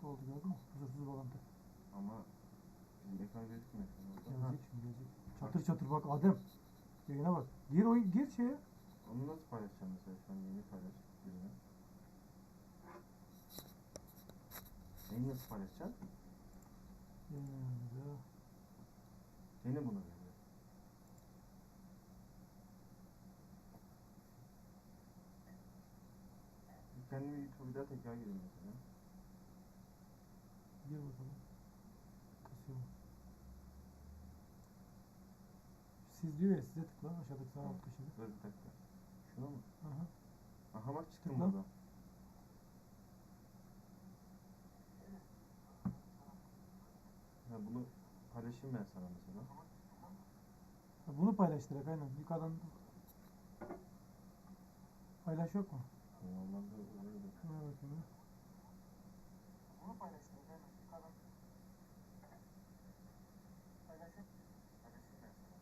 oldu gördün mü? Huzursuz bağlantı. Ama bizim ekran gözükmüyor. Gelecek şimdi gelecek. Çatır çatır bak Adem. Yayına bak. Gir oyun gir şeye. Onu nasıl paylaşacağım mesela şu an yeni paylaş. Birine. Yeni nasıl paylaşacaksın? Yayınlarımıza. Yeni bunu böyle. Kendimi YouTube'da tekrar gireyim mesela. Gir bakalım. Kasıyor mu? Siz diyor ya size tıkla aşağıdaki sağ alt köşede. Dur bir dakika. Şuna mı? Aha. Aha bak çıktım Tıkla. burada. Ha, bunu paylaşayım ben sana mesela. Ha, bunu paylaş direkt aynen. Yukarıdan paylaş yok mu? Normalde öyle de. Şuna bakayım. Bunu paylaştım. Yukarıdan paylaşıp paylaşayım ben sana.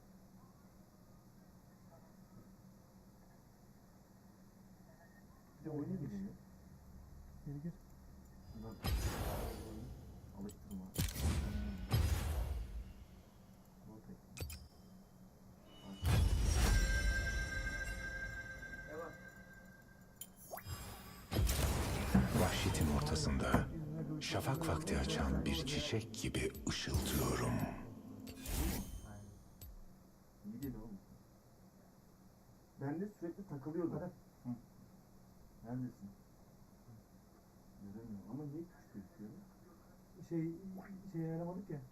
Bir de oyuna gireyim. Geri gir. Şuradan alıştırma. Bu tek. Vahşetin ortasında şafak vakti açan bir çiçek gibi ışıltıyorum. İyi değil oğlum. Ben de sürekli takılıyordu. Hadi. Hı. Neredesin? Göremiyorum ama niye küçük gözüküyor? Şey ayarlamadık ya.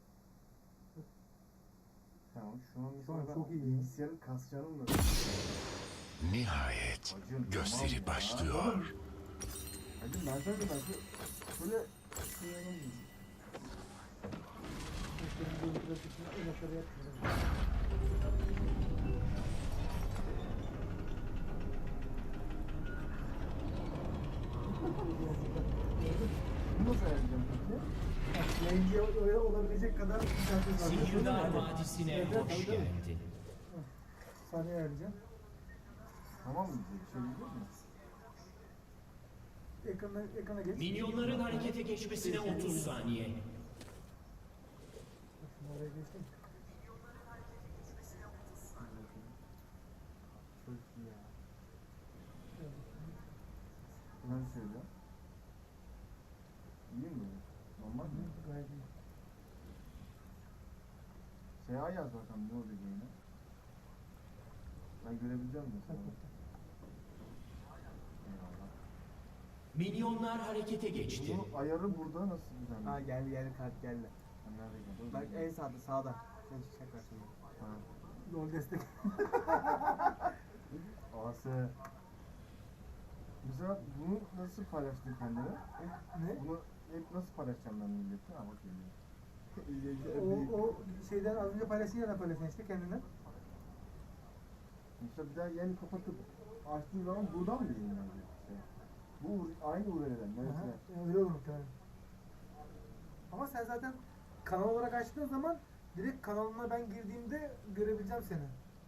Tamam şu an Şu an mesela çok iyi. bilgisayarın kasacağını mı? Nihayet Acım, gösteri tamam ya. başlıyor. Hacım ben sana şöyle kıyamam. Gösterinin böyle grafikini en aşağıda yapmıyorum. Bunu nasıl ayarlayacağım peki? Yayıncıya öyle olabilecek kadar misafir var. Sihirdar Vadisi'ne Evet, hoş tabii, tabii. geldin. Saniye ayarlayacağım. Tamam mı? Bir şey diyecek mi? Ekrana geç. Minyonların harekete geçmesine 30 saniye. Bak şimdi oraya geçtim. Çok iyi ya. Ben söylüyorum. İyi mi böyle? Normal mi? Gayet iyi. SA yaz bakalım ne olacak yine. Ben görebileceğim mi sana? Eyvallah. Minyonlar harekete geçti. Bunun ayarı burada nasıl düzenli? Ha geldi kart geldi. Ha, nerede geldi? Bak en sağda. Sen çıkacak var şimdi. Ha. Lol destek. Ası. Mesela bunu nasıl paylaştın kendine? Ne? Bunu hep nasıl paylaşacağım ben millete? Ha bak geliyor. O şeyden az önce paylaştın ya da paylaştın işte kendinden. Mesela bir daha yeni kapatıp açtığın zaman buradan mı yayınlanacak işte? Bu aynı URL'den mesela. Aha, öyle olur muhtemelen. Ama sen zaten kanal olarak açtığın zaman direkt kanalına ben girdiğimde görebileceğim seni.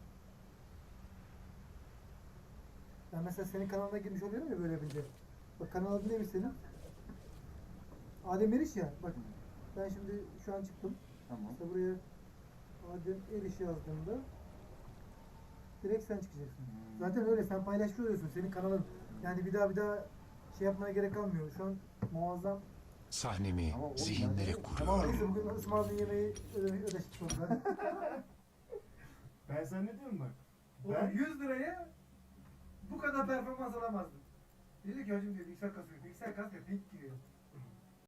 Ben mesela senin kanalına girmiş oluyorum ya böyle bir de. Bak kanal adı neymiş senin? Adem Eriş ya. Bak ben şimdi şu an çıktım. Tamam. İşte buraya Adem Eriş yazdığımda direkt sen çıkacaksın. Zaten öyle sen paylaşmış oluyorsun senin kanalın. Yani bir daha şey yapmaya gerek kalmıyor. Şu an muazzam. Sahnemi Ama oğlum zihinlere ben- kuruyorum. Neyse bugün ısmarladığın yemeği ödeştik sonunda. Ben sana ne diyorum bak. Oğlum 100 liraya bu kadar performans alamazdım. Dedi ki hacım diyor bilgisayar kasıyor. Bilgisayar kasmıyor. Pink giriyor.